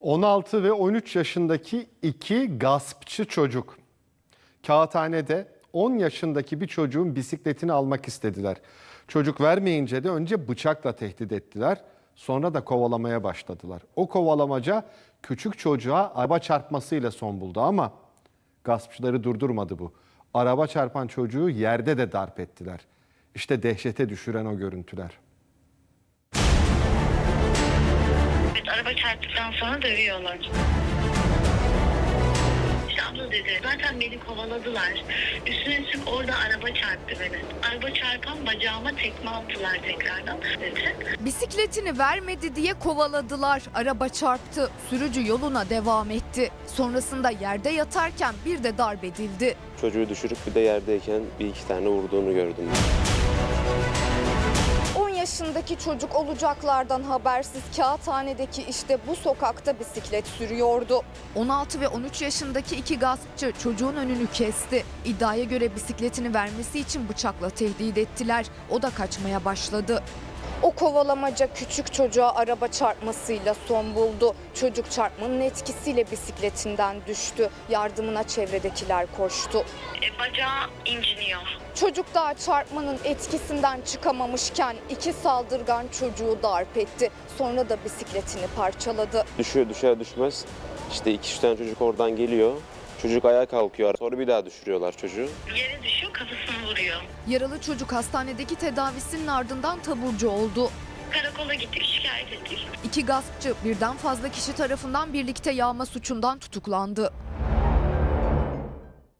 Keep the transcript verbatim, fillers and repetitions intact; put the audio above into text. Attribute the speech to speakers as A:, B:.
A: on altı ve on üç yaşındaki iki gaspçı çocuk kağıthanede on yaşındaki bir çocuğun bisikletini almak istediler. Çocuk vermeyince de önce bıçakla tehdit ettiler. Sonra da kovalamaya başladılar. O kovalamaca küçük çocuğa araba çarpmasıyla son buldu ama gaspçıları durdurmadı bu. Araba çarpan çocuğu yerde de darp ettiler. İşte dehşete düşüren o görüntüler.
B: Evet, araba çarptıktan sonra dövüyorlar. İşte abla dedi, zaten beni kovaladılar. Üstüne üstlük orada araba çarptı beni. Araba çarpan bacağıma tekme attılar tekrardan dedi.
C: Bisikletini vermedi diye kovaladılar. Araba çarptı. Sürücü yoluna devam etti. Sonrasında yerde yatarken bir de darp edildi.
D: Çocuğu düşürüp bir de yerdeyken bir iki tane vurduğunu gördüm.
C: on yaşındaki çocuk olacaklardan habersiz kağıthanedeki işte bu sokakta bisiklet sürüyordu. on altı ve on üç yaşındaki iki gaspçı çocuğun önünü kesti. İddiaya göre bisikletini vermesi için bıçakla tehdit ettiler. O da kaçmaya başladı. O kovalamaca küçük çocuğa araba çarpmasıyla son buldu. Çocuk çarpmanın etkisiyle bisikletinden düştü. Yardımına çevredekiler koştu.
B: E, bacağı inciniyor.
C: Çocuk daha çarpmanın etkisinden çıkamamışken iki saldırgan çocuğu darp etti. Sonra da bisikletini parçaladı.
D: Düşüyor düşer düşmez işte iki üç tane çocuk oradan geliyor. Çocuk ayağa kalkıyor. Sonra bir daha düşürüyorlar çocuğu.
B: Yere düşüyor, kafasını vuruyor.
C: Yaralı çocuk hastanedeki tedavisinin ardından taburcu oldu.
B: Karakola gittik, şikayet ettik.
C: İki gaspçı birden fazla kişi tarafından birlikte yağma suçundan tutuklandı.